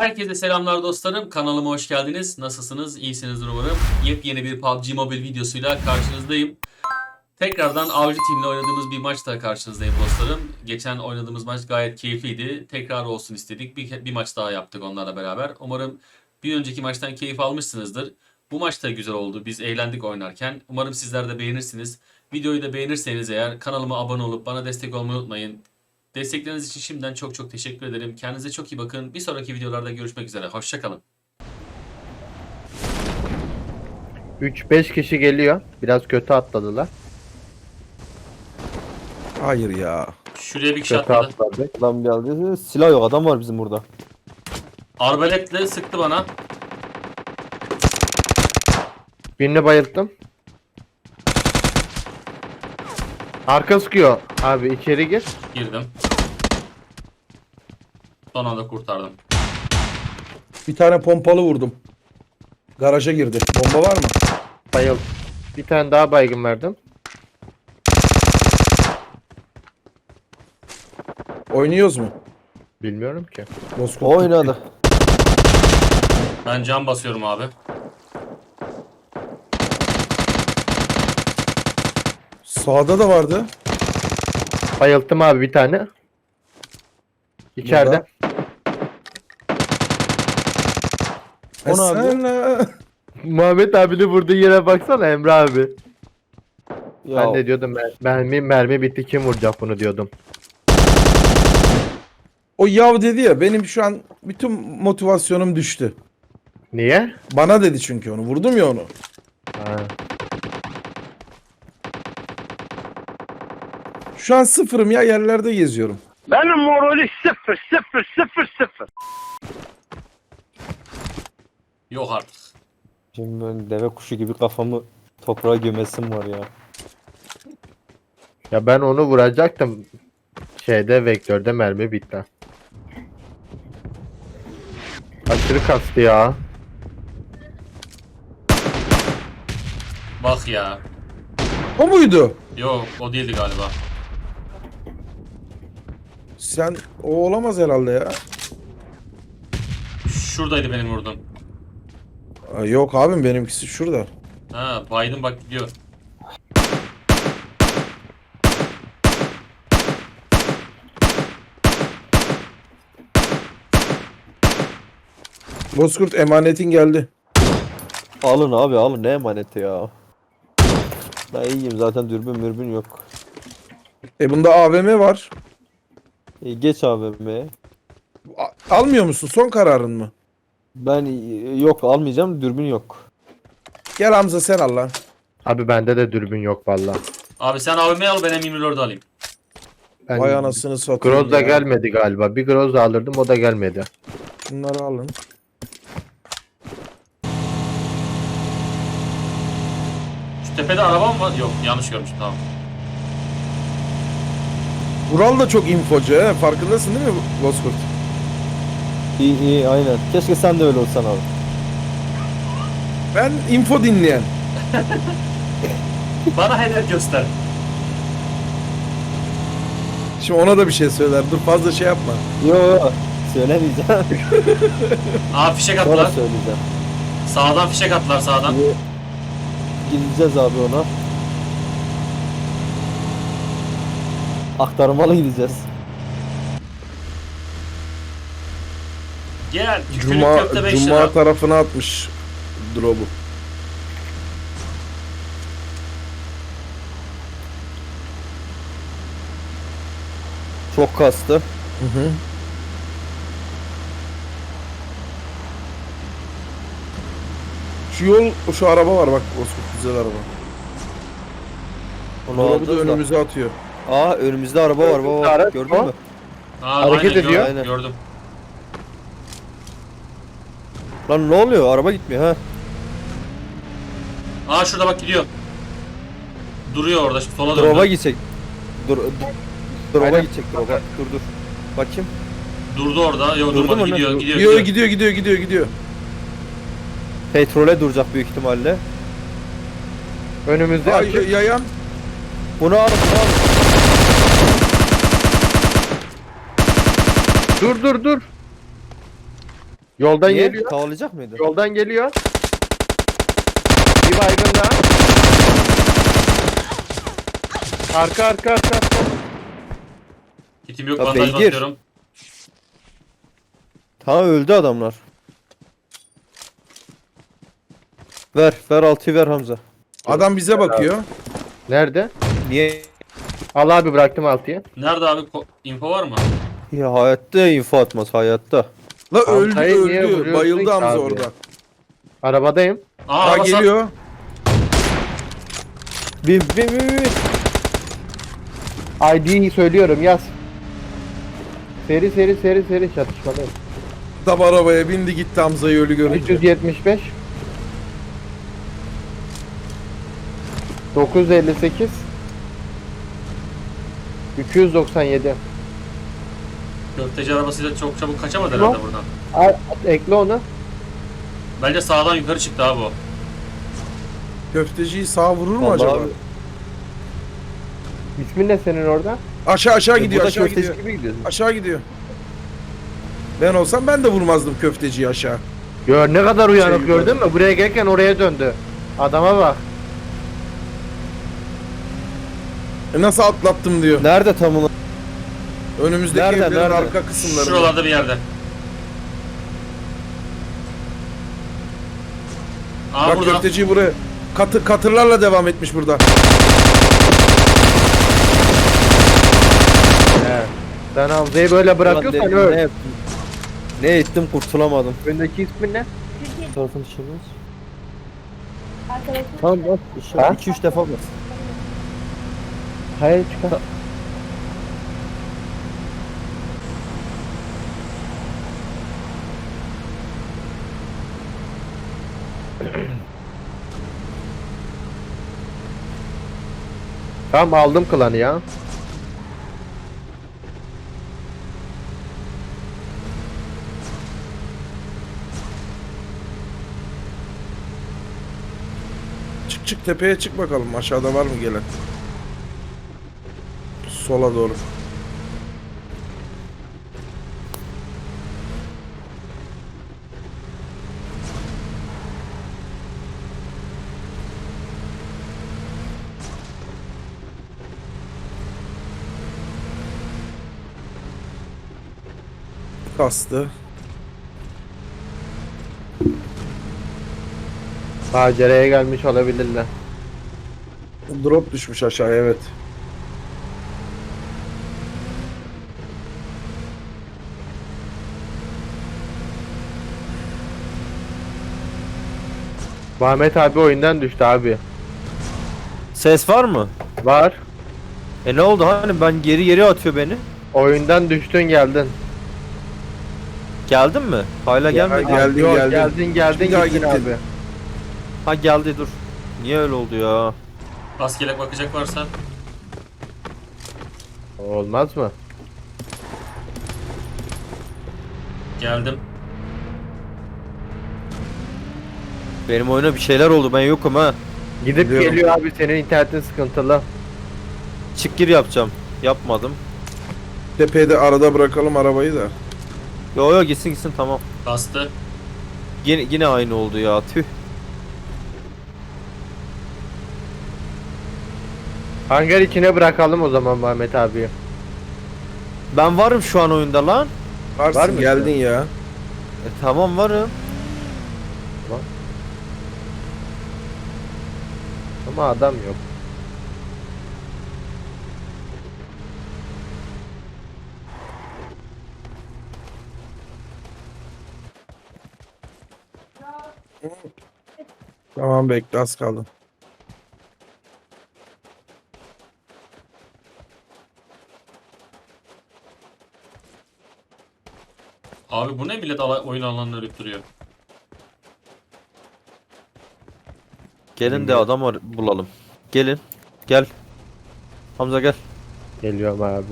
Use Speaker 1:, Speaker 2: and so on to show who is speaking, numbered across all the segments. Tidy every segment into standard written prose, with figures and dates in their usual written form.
Speaker 1: Herkese selamlar dostlarım. Kanalıma hoş geldiniz. Nasılsınız? İyisinizdir umarım. Yepyeni bir PUBG Mobile videosuyla karşınızdayım. Tekrardan Avcı Team'le oynadığımız bir maçta karşınızdayım dostlarım. Geçen oynadığımız maç gayet keyifliydi. Tekrar olsun istedik. Bir maç daha yaptık onlarla beraber. Umarım bir önceki maçtan keyif almışsınızdır. Bu maç da güzel oldu. Biz eğlendik oynarken. Umarım sizler de beğenirsiniz. Videoyu da beğenirseniz eğer kanalıma abone olup bana destek olmayı unutmayın. Destekleriniz için şimdiden çok teşekkür ederim. Kendinize çok iyi bakın. Bir sonraki videolarda görüşmek üzere. Hoşça kalın.
Speaker 2: 3-5 kişi geliyor. Biraz kötü atladılar.
Speaker 3: Hayır ya.
Speaker 1: Şuraya bir kişi
Speaker 2: Kötü
Speaker 1: atladı.
Speaker 2: atladı.
Speaker 4: Adam geldi. Silah yok. Adam var bizim burada.
Speaker 1: Arbaletle sıktı bana.
Speaker 2: Birini bayılttım. Arka sıkıyor. Abi içeri gir.
Speaker 1: Girdim. Son anda kurtardım.
Speaker 3: Bir tane pompalı vurdum. Garaja girdi. Bomba var mı?
Speaker 2: Bayıl. Bir tane daha baygın verdim.
Speaker 3: Oynuyoruz mu?
Speaker 2: Bilmiyorum ki.
Speaker 3: Bozkurt
Speaker 4: Oynadı.
Speaker 1: Ben cam basıyorum abi.
Speaker 3: Sağda da vardı.
Speaker 2: Bayılttım abi bir tane. İçeride.
Speaker 4: O ne abi?
Speaker 3: Sen
Speaker 2: Muhammed abinin vurduğu yere baksana Emre abi.
Speaker 4: Ya,
Speaker 2: Ben de diyordum mermi bitti, kim vuracak bunu diyordum.
Speaker 3: o yav dedi ya, benim şu an bütün motivasyonum düştü.
Speaker 2: Niye?
Speaker 3: Bana dedi çünkü onu. Vurdum ya onu.
Speaker 2: Ha.
Speaker 3: Şu an sıfırım ya, yerlerde geziyorum.
Speaker 5: Benim morali sıfır.
Speaker 1: Yok artık.
Speaker 4: şimdi ben deve kuşu gibi kafamı toprağa gömesim var ya.
Speaker 2: Ya ben onu vuracaktım. Vektörde mermi bitti. Aşırı kastı ya.
Speaker 1: Bak ya.
Speaker 3: O muydu?
Speaker 1: Yok o değildi galiba.
Speaker 3: Sen o olamaz herhalde ya.
Speaker 1: Şuradaydı benim vurdum.
Speaker 3: Aa, yok abim, benimkisi şurada.
Speaker 1: Ha Biden bak gidiyor.
Speaker 3: Bozkurt, emanetin geldi.
Speaker 4: Alın abi alın, ne emaneti ya. Ben iyiyim zaten, dürbün mürbün yok.
Speaker 3: Bunda AVM var.
Speaker 4: Geç AVM'ye.
Speaker 3: Almıyor musun? Son kararın mı?
Speaker 4: Ben yok almayacağım, dürbün yok.
Speaker 3: Gel Hamza, sen al lan.
Speaker 2: Abi bende de dürbün yok valla.
Speaker 1: Abi sen AVM'yi al, ben M24'ü alayım.
Speaker 2: Ben
Speaker 3: Vay anasını satayım
Speaker 2: Groz da
Speaker 3: ya.
Speaker 2: gelmedi galiba. Bir Groz da alırdım, o da gelmedi.
Speaker 3: Bunları alın.
Speaker 1: Şu tepede araba mı var? Yok yanlış görmüşüm, tamam.
Speaker 3: Vural da çok infocu he. Farkındasın değil mi Bozkurt?
Speaker 4: İyi aynen. Keşke sen de öyle olsan abi.
Speaker 3: Ben info dinleyen.
Speaker 1: Bana hedef göster.
Speaker 3: Şimdi ona da bir şey söyler. Dur, fazla şey yapma.
Speaker 4: Yo söylemeyeceğim.
Speaker 1: Aa fişek
Speaker 4: Sonra
Speaker 1: attılar.
Speaker 4: söyleyeceğim.
Speaker 1: Sağdan fişek attılar sağdan.
Speaker 4: Gideceğiz abi ona. Aktarmalı gideceğiz.
Speaker 1: Gel. Tükürük köfte 5
Speaker 3: Cuma
Speaker 1: lira.
Speaker 3: tarafına atmış drop'u.
Speaker 4: Çok kastı.
Speaker 3: Hı hı. Şu araba var bak Bozkurt, güzel araba.
Speaker 4: Onu
Speaker 3: Drop'u da
Speaker 4: alacağız da.
Speaker 3: önümüze atıyor.
Speaker 4: Aa önümüzde araba var baba.
Speaker 2: Araç
Speaker 4: Gördün
Speaker 2: o.
Speaker 4: mü?
Speaker 1: Aa,
Speaker 2: Hareket
Speaker 1: aynen,
Speaker 2: ediyor.
Speaker 1: Gördüm,
Speaker 4: Aynen.
Speaker 1: gördüm.
Speaker 4: Lan ne oluyor? Araba gitmiyor ha.
Speaker 1: Aa şurada bak gidiyor. Duruyor orada, şimdi sola
Speaker 4: Drop'a
Speaker 1: döndü.
Speaker 4: gidecek. Drop'a
Speaker 2: Aynen.
Speaker 4: gidecek drop'a. Dur. Bakayım.
Speaker 1: Durdu orada. Yok
Speaker 4: Durdu
Speaker 1: durmadı,
Speaker 4: mu ne?
Speaker 1: gidiyor, gidiyor,
Speaker 3: Gidiyor
Speaker 1: gidiyor.
Speaker 3: gidiyor.
Speaker 4: Petrole duracak büyük ihtimalle.
Speaker 2: Önümüzde
Speaker 3: Ay,
Speaker 2: açık.
Speaker 3: yayan.
Speaker 4: Bunu al.
Speaker 2: Dur. Yoldan
Speaker 4: Niye?
Speaker 2: geliyor.
Speaker 4: Tavalayacak mıydı?
Speaker 2: Yoldan geliyor. Bir baygın daha. Arka arka arka arka.
Speaker 1: Kitim yok,
Speaker 4: Ya
Speaker 1: bandaj
Speaker 4: beygir.
Speaker 1: basıyorum.
Speaker 4: Tamam öldü adamlar. Ver 6'yı ver Hamza.
Speaker 3: Adam bize bakıyor.
Speaker 2: Nerede?
Speaker 4: Niye?
Speaker 2: Al abi bıraktım 6'ya.
Speaker 1: Nerede abi? Info var mı?
Speaker 4: Ya hayatta info atmaz hayatta.
Speaker 3: La öldü
Speaker 2: Hamza'yı niye
Speaker 3: öldü.
Speaker 2: vuruyorsun
Speaker 3: Bayıldı
Speaker 2: ki
Speaker 3: Hamza
Speaker 2: abi?
Speaker 3: orada.
Speaker 2: Arabadayım.
Speaker 1: Aa,
Speaker 3: Ha
Speaker 1: araba sar-
Speaker 3: geliyor.
Speaker 4: Bin.
Speaker 2: ID'yi söylüyorum yaz. Seri çatışmadayım.
Speaker 3: Tam arabaya bindi gitti Hamza'yı ölü görünce.
Speaker 2: 375 958 297.
Speaker 1: Köfteci arabasıyla çok çabuk kaçamadı
Speaker 2: Tamam.
Speaker 1: herhalde buradan.
Speaker 2: Ekle onu.
Speaker 1: Bence sağdan yukarı çıktı abi o.
Speaker 3: Köfteciyi sağ vurur mu
Speaker 4: Vallahi
Speaker 3: acaba?
Speaker 4: abi.
Speaker 2: İsmin ne senin orada?
Speaker 3: Aşağı gidiyor
Speaker 4: Burada
Speaker 3: aşağı
Speaker 4: köfteci
Speaker 3: gidiyor.
Speaker 4: gibi gidiyorsun.
Speaker 3: Aşağı gidiyor. Ben olsam ben de vurmazdım köfteciyi aşağı.
Speaker 2: Gör ne kadar uyanık
Speaker 3: Şey,
Speaker 2: gördün mü? Buraya gelirken oraya döndü. Adama bak.
Speaker 3: Nasıl atlattım diyor.
Speaker 4: Nerede tam olarak?
Speaker 3: Önümüzdeki
Speaker 4: Nerede,
Speaker 3: evlerin
Speaker 4: nerede?
Speaker 3: arka kısımlarında.
Speaker 1: Şuralarda bir yerde. Aa,
Speaker 3: Bak
Speaker 1: burada.
Speaker 3: köfteciyi buraya katırlarla devam etmiş burada.
Speaker 2: He. Sen Hamza'yı böyle bırakıyorsan
Speaker 4: Ulan
Speaker 2: öl.
Speaker 4: ne yaptım? Ne ettim kurtulamadım.
Speaker 2: Öndeki ismin ne?
Speaker 4: Tarafın dışarıdayız.
Speaker 6: Arkadaşım.
Speaker 4: Tamam bak.
Speaker 2: Ha?
Speaker 4: 2-3 defa bak.
Speaker 2: Hayır çıkar. Tamam aldım klanı ya.
Speaker 3: Çık tepeye çık bakalım aşağıda var mı gelen? Sola doğru. Kastı.
Speaker 2: Maceraya gelmiş olabilirler.
Speaker 3: Drop düşmüş aşağıya evet.
Speaker 2: Muhammed abi oyundan düştü abi.
Speaker 4: Ses var mı?
Speaker 2: Var.
Speaker 4: Ne oldu hani ben geri atıyor beni.
Speaker 2: Oyundan düştün geldin.
Speaker 4: Geldin mi? Hala gelmedi.
Speaker 3: Geldin,
Speaker 2: Yok,
Speaker 3: geldin.
Speaker 2: geldin
Speaker 3: Bir daha
Speaker 2: gittin
Speaker 3: gittin.
Speaker 2: abi.
Speaker 4: Ha geldi dur. Niye öyle oldu ya?
Speaker 1: Askelek bakacak varsa.
Speaker 2: Olmaz mı?
Speaker 1: Geldim.
Speaker 4: Benim oyuna bir şeyler oldu ben yokum ha.
Speaker 2: Gidip
Speaker 3: Biliyorum.
Speaker 2: geliyor abi senin internetin sıkıntılı.
Speaker 4: Çık gir yapacağım. Yapmadım.
Speaker 3: Tepede arada bırakalım arabayı da.
Speaker 4: Yo gitsin tamam.
Speaker 1: Bastı.
Speaker 4: Yine aynı oldu ya tüh.
Speaker 2: Hangar içine bırakalım o zaman Muhammed abi.
Speaker 4: Ben varım şu an oyunda lan.
Speaker 3: Varsın
Speaker 2: Var mı?
Speaker 3: geldin ya.
Speaker 4: Tamam varım.
Speaker 2: Ama adam yok.
Speaker 3: Tamam bekle az kaldı.
Speaker 1: Abi bu ne, millet oyun alanını örüp duruyor.
Speaker 4: Gelin de adam bulalım. Gelin. Gel. Hamza gel.
Speaker 2: Geliyorum abi.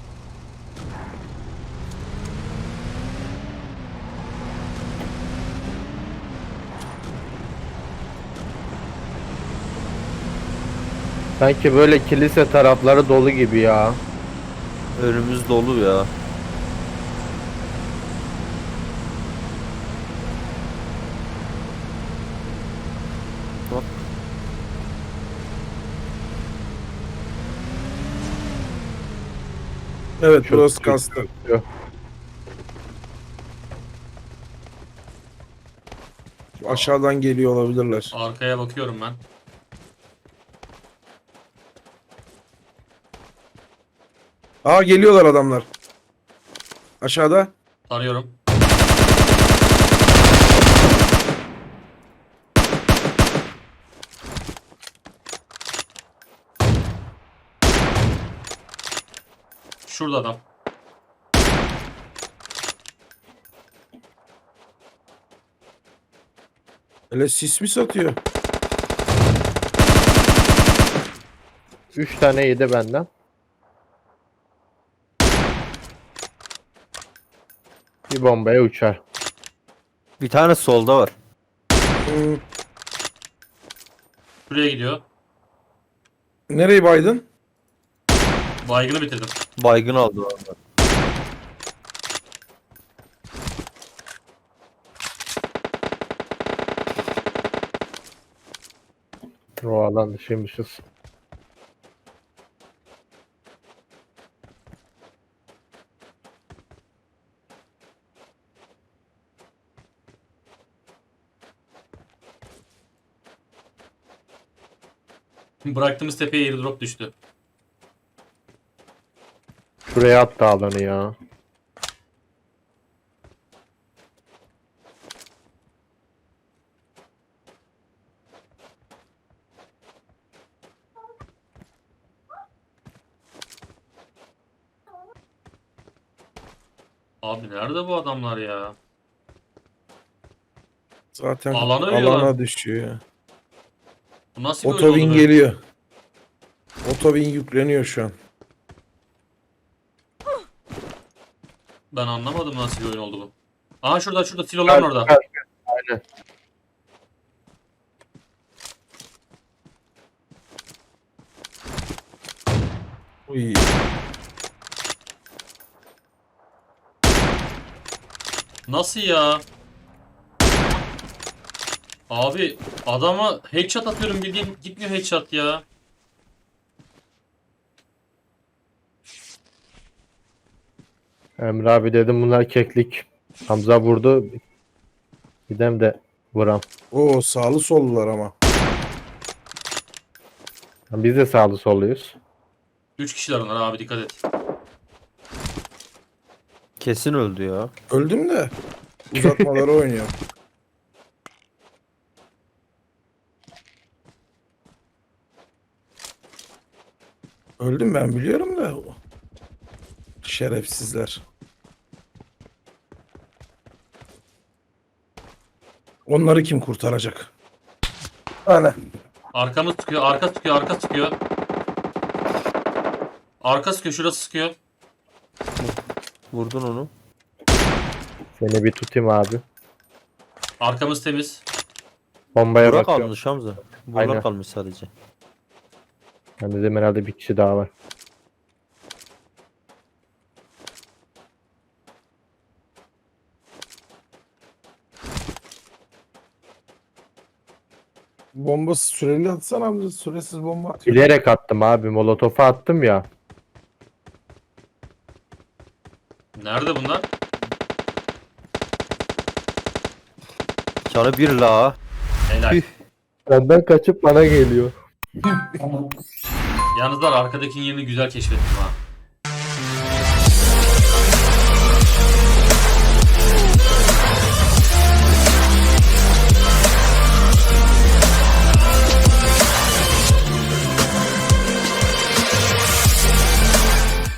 Speaker 2: Sanki böyle kilise tarafları dolu gibi ya.
Speaker 4: Önümüz dolu ya.
Speaker 3: Evet
Speaker 2: Çok
Speaker 3: burası
Speaker 2: kötü.
Speaker 3: kastı. Aşağıdan geliyor olabilirler.
Speaker 1: Arkaya bakıyorum ben.
Speaker 3: Aa geliyorlar adamlar. Aşağıda.
Speaker 1: Arıyorum. Şurada adam.
Speaker 3: Öyle sis mi satıyor?
Speaker 2: 3 tane yedi benden. Bir bombaya uçar.
Speaker 4: Bir tane solda var.
Speaker 3: Hmm,
Speaker 1: Şuraya gidiyor.
Speaker 3: Nereyi baydın?
Speaker 1: Baygını bitirdim.
Speaker 4: Baygın aldı orada.
Speaker 2: O alan dışıymışız.
Speaker 1: Bıraktığımız tepeye airdrop düştü.
Speaker 2: Şuraya attı alanı ya.
Speaker 1: Abi nerede bu adamlar ya?
Speaker 3: Zaten
Speaker 1: Alana ölüyorlar.
Speaker 3: alana düşüyor ya.
Speaker 1: Bu nasıl bir oyun
Speaker 3: Otobin
Speaker 1: oldu böyle?
Speaker 3: geliyor. Otobin yükleniyor şu an.
Speaker 1: Ben anlamadım nasıl bir oyun oldu bu. Aha şurada siloların orada.
Speaker 2: Aynen.
Speaker 3: Uy.
Speaker 1: Nasıl ya? Abi adama headshot atıyorum bildiğin gitmiyor headshot ya.
Speaker 2: Emre abi dedim bunlar keklik. Hamza vurdu. Gidem de vuram.
Speaker 3: Oo sağlı sollular ama.
Speaker 2: Biz de sağlı solluyuz.
Speaker 1: 3 kişiler onlar abi dikkat et.
Speaker 4: Kesin öldü ya.
Speaker 3: Öldüm de uzatmaları oynuyor. Öldüm ben biliyorum da. Şerefsizler. Onları kim kurtaracak? Ana.
Speaker 1: Arkamız sıkıyor, arka sıkıyor, arka sıkıyor. Arka sıkıyor, şurası sıkıyor.
Speaker 4: Vurdun onu.
Speaker 2: Seni bir tutayım abi.
Speaker 1: Arkamız temiz.
Speaker 2: Bombaya
Speaker 4: Bura
Speaker 2: bakıyorum.
Speaker 4: kalmış Hamza. Bura
Speaker 2: Aynen.
Speaker 4: kalmış sadece.
Speaker 2: Ben dedim herhalde bir kişi daha var.
Speaker 3: Bomba süreli atsana amca. Süresiz bomba atıyor.
Speaker 2: Bilerek attım abi. Molotofu attım ya.
Speaker 1: Nerede bunlar?
Speaker 4: Canı bir la.
Speaker 1: Helal.
Speaker 2: Benden kaçıp bana geliyor.
Speaker 1: Yalnızlar arkadakinin yerini güzel keşfettim ha.